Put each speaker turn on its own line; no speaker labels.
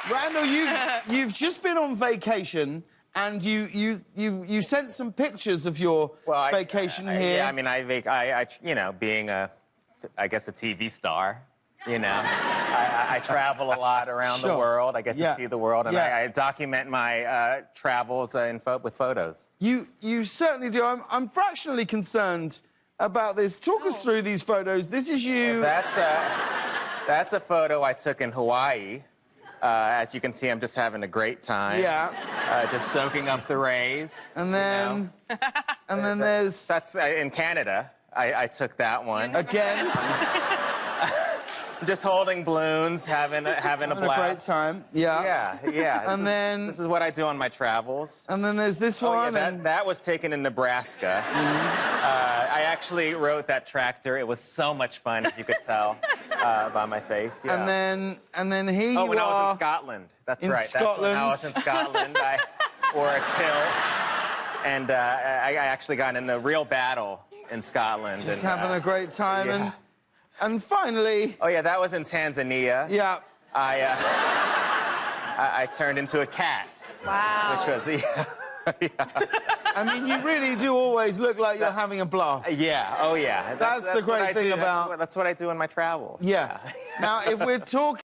Randall, you've just been on vacation, and you sent some pictures of your vacation here.
Yeah, I mean, I you know, being I guess a TV star, you know, I travel a lot around the world. I get to see the world, and I document my travels with photos.
You certainly do. I'm fractionally concerned about this. Talk us through these photos. This is you.
That's a photo I took in Hawaii. As you can see, I'm just having a great time.
Yeah.
Just soaking up the rays.
And then,
you know?
and then there's...
That's in Canada. I took that one.
Again.
Just holding balloons, having a blast.
A great time. Yeah.
Yeah.
And then...
This is what I do on my travels.
And then there's this one.
Yeah, that was taken in Nebraska. I actually rode that tractor. It was so much fun, as you could tell by my face. Yeah.
And then here you are.
Oh, when I was in Scotland. That's right.
Scotland.
That's when I was in Scotland. I wore a kilt, and I actually got in a real battle in Scotland.
Just having a great time.
Yeah.
And finally...
Oh, yeah, that was in Tanzania.
Yeah.
I turned into a cat.
Wow.
Which was, yeah.
I mean, you really do always look like you're having a blast.
Yeah, oh, yeah.
That's the great thing about...
That's what I do in my travels.
Yeah. Now, if we're talking...